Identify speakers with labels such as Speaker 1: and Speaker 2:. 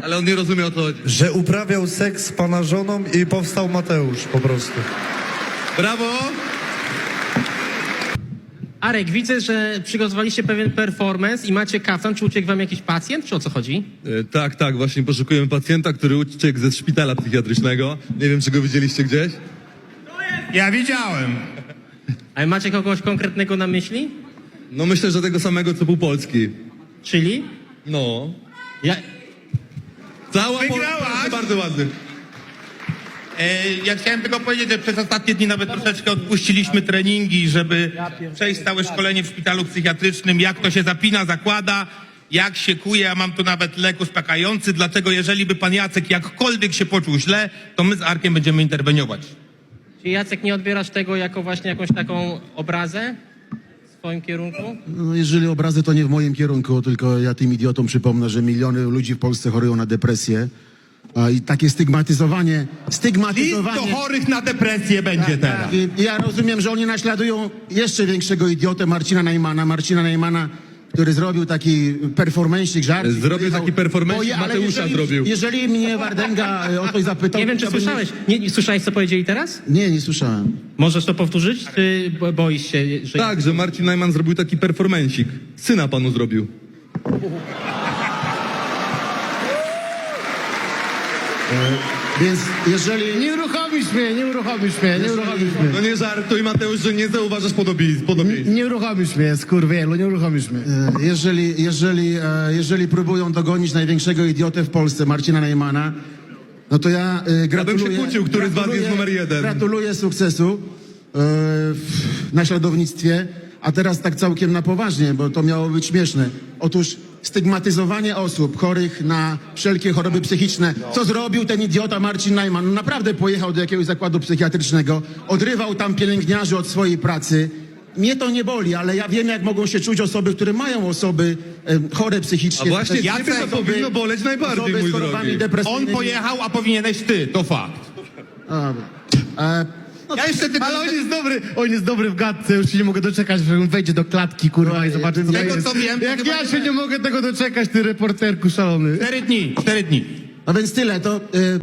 Speaker 1: Ale on nie rozumie, o co chodzi.
Speaker 2: Że uprawiał seks z pana żoną i powstał Mateusz po prostu.
Speaker 1: Brawo!
Speaker 3: Arek, widzę, że przygotowaliście pewien performance i macie kaftan. Czy uciekł wam jakiś pacjent, czy o co chodzi?
Speaker 1: Tak, właśnie poszukujemy pacjenta, który uciekł ze szpitala psychiatrycznego. Nie wiem, czy go widzieliście gdzieś?
Speaker 4: Ja widziałem.
Speaker 3: Ale macie kogoś konkretnego na myśli?
Speaker 1: No myślę, że tego samego, co pół Polski.
Speaker 3: Czyli?
Speaker 1: No.
Speaker 3: Ja...
Speaker 1: Cała
Speaker 4: Wygrałaś!
Speaker 1: Polska, bardzo ładny.
Speaker 4: Ja chciałem tylko powiedzieć, że przez ostatnie dni nawet troszeczkę odpuściliśmy treningi, żeby przejść całe szkolenie w szpitalu psychiatrycznym, jak to się zapina, zakłada, jak się kuje. Ja mam tu nawet lek uspokajający, dlatego jeżeli by pan Jacek jakkolwiek się poczuł źle, to my z Arkiem będziemy interweniować.
Speaker 3: Czy Jacek nie odbierasz tego jako właśnie jakąś taką obrazę w swoim kierunku?
Speaker 5: No, jeżeli obrazy, to nie w moim kierunku, tylko ja tym idiotom przypomnę, że miliony ludzi w Polsce chorują na depresję. I takie stygmatyzowanie...
Speaker 4: List do chorych na depresję będzie teraz.
Speaker 5: I ja rozumiem, że oni naśladują jeszcze większego idiotę Marcina Najmana, który zrobił taki performancik, żart.
Speaker 1: Zrobił taki performancik, Mateusza zrobił.
Speaker 5: Jeżeli mnie Wardęga o coś zapytał...
Speaker 3: Nie wiem, czy
Speaker 5: to bym-
Speaker 3: słyszałeś. Nie słyszałeś, co powiedzieli teraz?
Speaker 5: Nie słyszałem.
Speaker 3: Możesz to powtórzyć, czy boisz się, że...
Speaker 1: Tak, że Marcin Najman zrobił taki performencik. Syna panu zrobił.
Speaker 5: Więc jeżeli...
Speaker 6: Nie uruchomisz mnie.
Speaker 1: No nie żartuj, Mateusz, że nie zauważasz podobieństw.
Speaker 6: Nie uruchomisz mnie, skurwielu, nie uruchomisz mnie.
Speaker 5: Jeżeli próbują dogonić największego idiotę w Polsce, Marcina Najmana, no to ja gratuluję...
Speaker 1: bym się kłócił, który z was jest numer 1.
Speaker 5: Gratuluję sukcesu w naśladownictwie, a teraz tak całkiem na poważnie, bo to miało być śmieszne. Otóż stygmatyzowanie osób chorych na wszelkie choroby psychiczne. Co zrobił ten idiota Marcin Najman? No naprawdę pojechał do jakiegoś zakładu psychiatrycznego, odrywał tam pielęgniarzy od swojej pracy. Mnie to nie boli, ale ja wiem, jak mogą się czuć osoby, które mają osoby chore psychicznie.
Speaker 1: A właśnie
Speaker 5: Też
Speaker 1: ciebie to
Speaker 5: osoby-
Speaker 1: powinno boleć najbardziej,
Speaker 5: osoby
Speaker 1: mój
Speaker 5: z chorobami
Speaker 1: drogi.
Speaker 4: On
Speaker 5: depresyjnymi.
Speaker 4: pojechał, a powinieneś ty, to fakt.
Speaker 5: Dobra.
Speaker 4: Ja jeszcze tylko...
Speaker 6: Ale on jest dobry w gadce, już się nie mogę doczekać, że on wejdzie do klatki, kurwa, i zobaczy, co to
Speaker 4: Tego,
Speaker 6: jest.
Speaker 4: co wiem,
Speaker 6: Jak
Speaker 4: to
Speaker 6: ja
Speaker 4: chyba
Speaker 6: się nie mogę tego doczekać, ty reporterku szalony.
Speaker 4: 4 dni.
Speaker 5: No więc tyle, to...